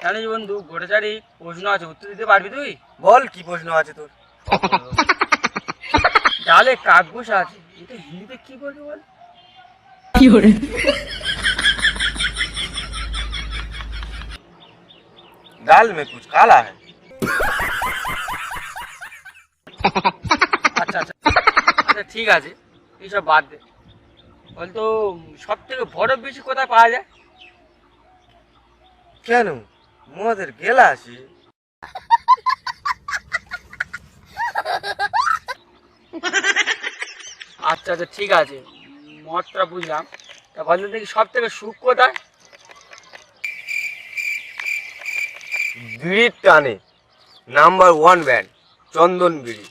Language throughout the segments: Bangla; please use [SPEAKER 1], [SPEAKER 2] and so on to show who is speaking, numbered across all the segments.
[SPEAKER 1] জানিস বন্ধু, গোটাচারি প্রশ্ন আছে, উত্তর দিতে পারবি তুই?
[SPEAKER 2] বল কি প্রশ্ন আছে তোর?
[SPEAKER 1] ডালে কাক বসে আছে, এটা হিন্দিতে কি বলবি বল?
[SPEAKER 2] दाल में कुछ काला है।
[SPEAKER 1] আচ্ছা আচ্ছা আচ্ছা, ঠিক আছে, এইসব বাদ দে। বলতো সব থেকে বরফ বেশি কোথায় পাওয়া যায়?
[SPEAKER 2] কেন মদের গেলাসে?
[SPEAKER 1] আচ্ছা আচ্ছা, ঠিক আছে, মতটা বুঝলাম। তা বলতো দেখি সব থেকে সুখ কোথায়?
[SPEAKER 2] বিড়ির টানে নাম্বার 1 ব্যান্ড চন্দন বিড়ি।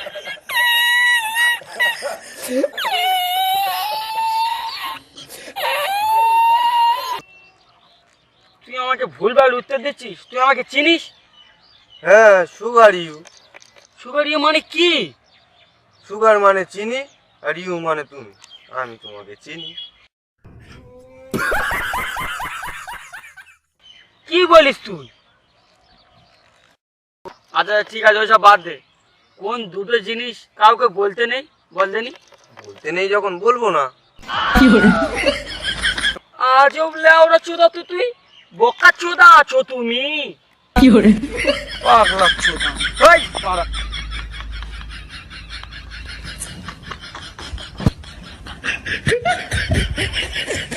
[SPEAKER 1] তুই আমাকে ভুলভাল উত্তর দিচ্ছিস। তুই আমাকে চিনিস?
[SPEAKER 2] হ্যাঁ, সুগার ইউ।
[SPEAKER 1] সুগার ইয়ে মানে কি?
[SPEAKER 2] সুগার মানে চিনি আর ইউ মানে তুমি। আমি তোমাকে চিনি।
[SPEAKER 1] কি বলিস তুই? আচ্ছা ঠিক আছে, ওইসব বাদ দে। কোন দুটো জিনিস কাউকে বলতে নেই, বলতে নি?
[SPEAKER 2] বলতে নেই যখন বলবো না।
[SPEAKER 1] আজব লেওরা চোদা তো তুই, বোকা চোদা আছো তুমি। পাগলা চোদা। হেই, পাগলা।